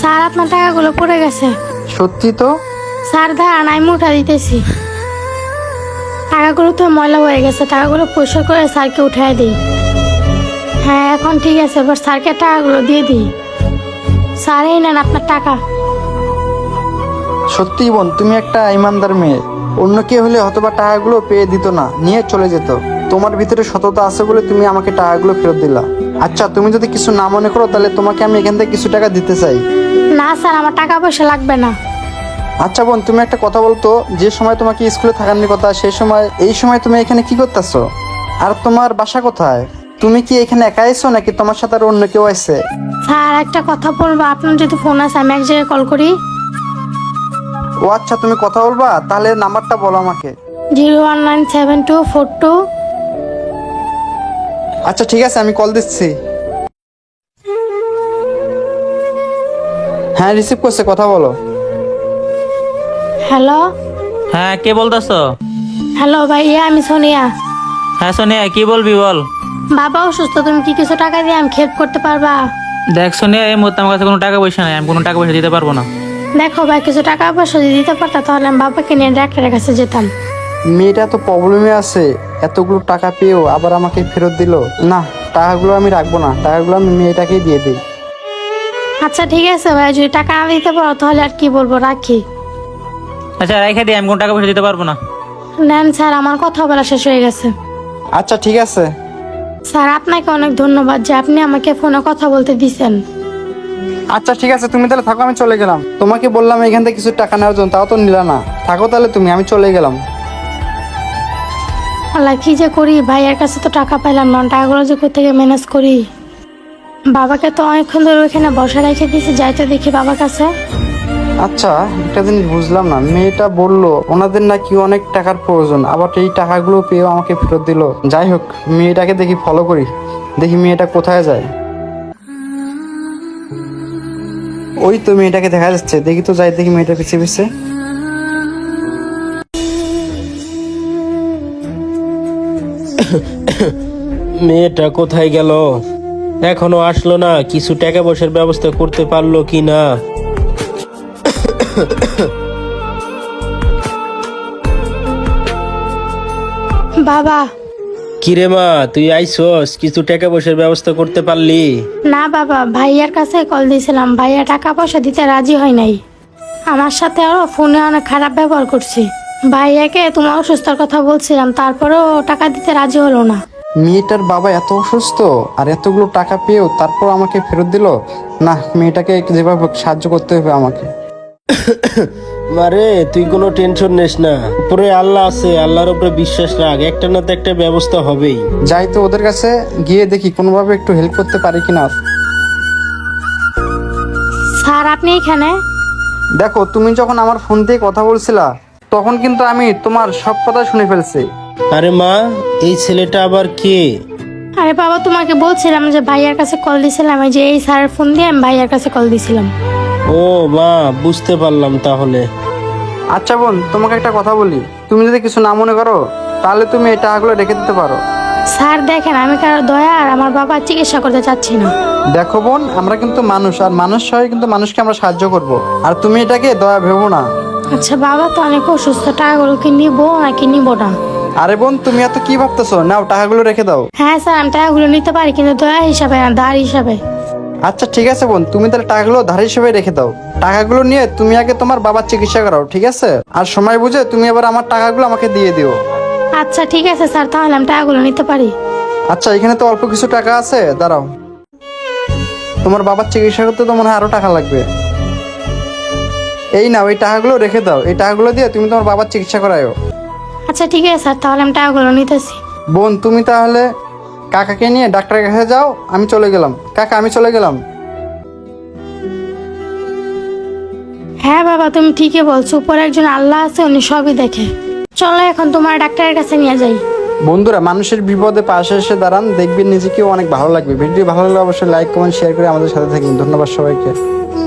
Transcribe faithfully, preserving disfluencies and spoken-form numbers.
Sir আপনার টাকাগুলো পড়ে গেছে। সত্যি তো? স্যার দাঁড়ান, আমি উঠা দিতেছি। টাকাগুলো তো ময়লা হয়ে গেছে, টাকাগুলো পরিষ্কার করে স্যারকে উঠাই দিই। হ্যাঁ এখন ঠিক আছে, এবার স্যারকে টাকাগুলো দিয়ে দিই। স্যার এই নেন আপনার টাকা। সত্যি বোন, তুমি একটা ইমানদার মেয়ে। অন্য কেউ হলে হয়তোবা টাকাগুলো পেয়ে দিত না, নিয়ে চলে যেত। তোমার ভিতরে সততা আছে বলে তুমি আমাকে টাকাগুলো ফেরত দিলা। আচ্ছা, তুমি যদি কিছু না মনে করো তাহলে তোমাকে আমি এখান থেকে কিছু টাকা দিতে চাই। না স্যার, আমার টাকা পয়সা লাগবে না। আচ্ছা বোন, তুমি একটা কথা বলতো, যে সময় তোমাকে স্কুলে থাকার কথা সেই সময় এই সময় তুমি এখানে কি করতেছো? আর তোমার বাসা কোথায়? তুমি কি এখানে একা আইছো নাকি তোমার সাথে আর অন্য কেউ আছে? স্যার একটা কথা বলবো, আপনার যদি ফোন আছে আমি এক জায়গায় কল করি। ও আচ্ছা, তুমি কথা বলবা, তাহলে নাম্বারটা বলো আমাকে। Zero one nine seven two four two. আচ্ছা ঠিক আছে, আমি কল দিচ্ছি। হ্যাঁ, রিসিভ করছে, কথা বলো। হ্যালো। হ্যাঁ, কে বলতেছো? হ্যালো ভাইয়া, আমি সোনিয়া। হ্যাঁ সোনিয়া, কি বলবি বল। বাবা অসুস্থ, তুমি কি কিছু টাকা দিয়ে আমি হেল্প করতে পারবা? দেখ সোনিয়া, এই মুহূর্তে আমার কাছে কোনো টাকা পয়সা নাই, আমি কোনো টাকা পয়সা দিতে পারবো না। দেখো ভাই, কিছু টাকা পয়সা যদি দিতে পারতা তাহলে আমি বাবাকে নিয়ে ডাক্তারের কাছে যেতাম। মেয়েটা তো প্রবলেমে আছে, এতগুলো টাকা পেয়েও আবার আমাকে ফেরত দিল। না, টাকাগুলো আমি রাখবো না, টাকাগুলো আমি মেয়েটাকেই দিয়ে দিই। আচ্ছা ঠিক আছে ভাই, যদি টাকা না দিতে পারো তাহলে আর কি বলবো, রাখি। আচ্ছা রেখে দিই, আমি কোনো টাকা পয়সা দিতে পারবো না। নেন স্যার, আমার কথা বলা শেষ হয়ে গেছে। আচ্ছা ঠিক আছে। স্যার আপনাকে অনেক ধন্যবাদ যে আপনি আমাকে ফোনে কথা বলতে দিছেন। আচ্ছা ঠিক আছে, তুমি তাহলে থাকো, আমি চলে গেলাম। তোমাকে বললাম এখান থেকে কিছু টাকা নেওয়ার জন্য, তাও তো নিলা না। থাকো তাহলে তুমি, আমি চলে গেলাম। আল্লাহ, কি যে করি, ভাইয়ের কাছে তো টাকা পাইলাম না, টাকাগুলো যে কোথেকে ম্যানেজ করি। বাবাকে তো অনেকক্ষণ ধরে ওইখানে বসে রেখে দিয়েছি, যাইতে দেখি বাবার কাছে। আচ্ছা, একটা জিনিস বুঝলাম না, মেয়েটা বললো ওনাদের নাকি অনেক টাকার প্রয়োজন, আবার এই টাকাগুলো পেয়েও আমাকে ফেরত দিল। যাই হোক, মেয়েটাকে দেখি ফলো করি, দেখি মেয়েটা কোথায় যায়। ওই তো মেয়েটাকে দেখা যাচ্ছে, দেখি তো যাই, দেখি মেয়েটা পিছিয়ে পিছিয়ে। মেয়েটা কোথায় গেল? এখনো আসলো না, কিছু টাকা পয়সার ব্যবস্থা করতে পারলো কি না। বাবা। কিরে মা, তুই আইসস, কিছু টাকা পয়সার ব্যবস্থা করতে পারলি? না বাবা, ভাইয়ার কাছে কল দিয়েছিলাম, ভাইয়া টাকা পয়সা দিতে রাজি হয় নাই। আমার সাথে আরো ফোনে অনেক খারাপ ব্যবহার করছে। ভাইয়াকে তোমার অসুস্থতার কথা বলছিলাম, তারপরেও টাকা দিতে রাজি হলো না। মেয়েটার বাবা এত অসুস্থ আর এতগুলো টাকা পেয়েও তারপর আমাকে ফেরত দিল। না, মেয়েটাকে যেভাবে হোক সাহায্য করতে হবে আমাকে। মারে, তুই কোনো টেনশন নিস না, উপরে আল্লাহ আছে, আল্লাহর উপরে বিশ্বাস রাখ, একটা না তো একটা ব্যবস্থা হবেই। যাই তো ওদের কাছে, গিয়ে দেখি কোনোভাবে একটু হেল্প করতে পারি কিনা। স্যার আপনি এখানে? দেখো, তুমি যখন আমার ফোন দিয়ে কথা বলছিলা তখন কিন্তু আমি তোমার সব কথা শুনে ফেলছি। আরে মা, এই ছেলেটা আবার কে? আরে বাবা, তোমাকে বলছিলাম যে ভাইয়ার কাছে কল দিছিলাম, এই যে এই স্যারের ফোন দিয়ে আমি ভাইয়ার কাছে কল দিছিলাম। ও মা, বুঝতে পারলাম তাহলে। আচ্ছা বোন, তোমাকে একটা কথা বলি, তুমি যদি কিছু না মনে করো তাহলে তুমি এই টাকাগুলো রেখে দিতে পারো। স্যার দেখেন, আমি কারো দয়া আর আমার বাবার চিকিৎসা করতে চাচ্ছি না। দেখো বোন, আমরা কিন্তু মানুষ, আর মানুষ সবাই কিন্তু মানুষকে আমরা সাহায্য করব, আর তুমি এটাকে দয়া ভেবো না। আচ্ছা বাবা তো অনেক অসুস্থ, টাকাগুলো কি নিবো নাকি নিবো না? আরে বোন, তুমি এত কি ভাবতেছো, নাও টাকাগুলো রেখে দাও। হ্যাঁ স্যার, আমি টাকাগুলো নিতে পারি, কিন্তু দয়া হিসাবে না, ধার হিসাবে। আচ্ছা ঠিক আছে বোন, তুমি তাহলে টাকাগুলো ধার হিসেবে রেখে দাও। টাকাগুলো নিয়ে তুমি আগে তোমার বাবার চিকিৎসা করাও, ঠিক আছে? আর সময় বুঝে তুমি আবার আমার টাকাগুলো আমাকে দিয়ে দিও। আচ্ছা ঠিক আছে স্যার, তাহলে আমি টাকাগুলো নিতে পারি। আচ্ছা, এখানে তো অল্প কিছু টাকা আছে, দাঁড়াও। তোমার বাবার চিকিৎসা করতে তো মনে হয় আরো টাকা লাগবে। এই নাও, এই টাকাগুলো রেখে দাও, এই টাকাগুলো দিয়ে তুমি তোমার বাবার চিকিৎসা করায়ও। আচ্ছা ঠিক আছে স্যার, তাহলে আমি টাকাগুলো নিতেছি। বোন, তুমি তাহলে কাকাকে নিয়ে ডাক্তারের কাছে যাও, আমি চলে গেলাম। কাকা, আমি চলে গেলাম। হ্যাঁ বাবা, তুমি ঠিকই বলছো, উপরে একজন আল্লাহ আছে, উনি সবই দেখে। চলো এখন তোমার ডাক্তারের কাছে নিয়ে যাই। বন্ধুরা, মানুষের বিপদে পাশে এসে দাঁড়ান, দেখবেন নিজেকেও অনেক ভালো লাগবে। ভিডিও ভালো লাগলে অবশ্যই লাইক কমেন্ট শেয়ার করে আমাদের সাথে থাকুন। ধন্যবাদ সবাইকে।